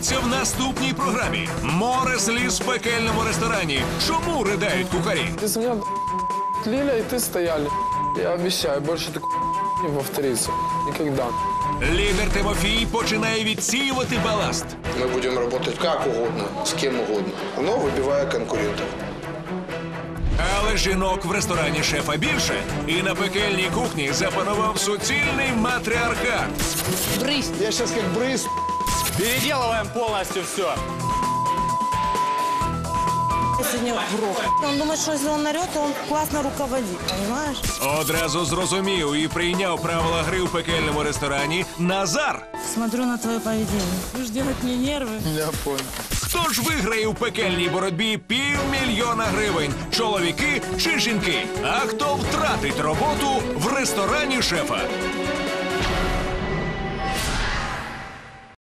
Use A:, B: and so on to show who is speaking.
A: Дивіться в наступній програмі. Море сліз в пекельному ресторані. Чому ридають кухарі?
B: Без меня Лиля и ты стояли. Я обещаю, больше такого не повторится. Никогда.
A: Лідер Тимофій починає відсіювати баласт.
C: Мы будем работать как угодно, с кем угодно, но выбивая конкурентов.
A: Але жінок в ресторані шефа більше. І на пекельній кухні запанував суцільний матріархат.
D: Брысь.
C: Я сейчас как брыз.
E: Переделываем полностью все.
D: Сегодня в рот. Он думает, что если он орет, то он классно руководит, понимаешь?
A: Одразу зрозумів і прийняв правила гри в пекельному ресторані Назар.
D: Смотрю на твое поведение. Будешь делать мне нервы.
B: Я понял.
A: Хто ж виграє у пекельній боротьбі 500 000 гривень? Чоловіки чи жінки? А хто втратить роботу в ресторані шефа?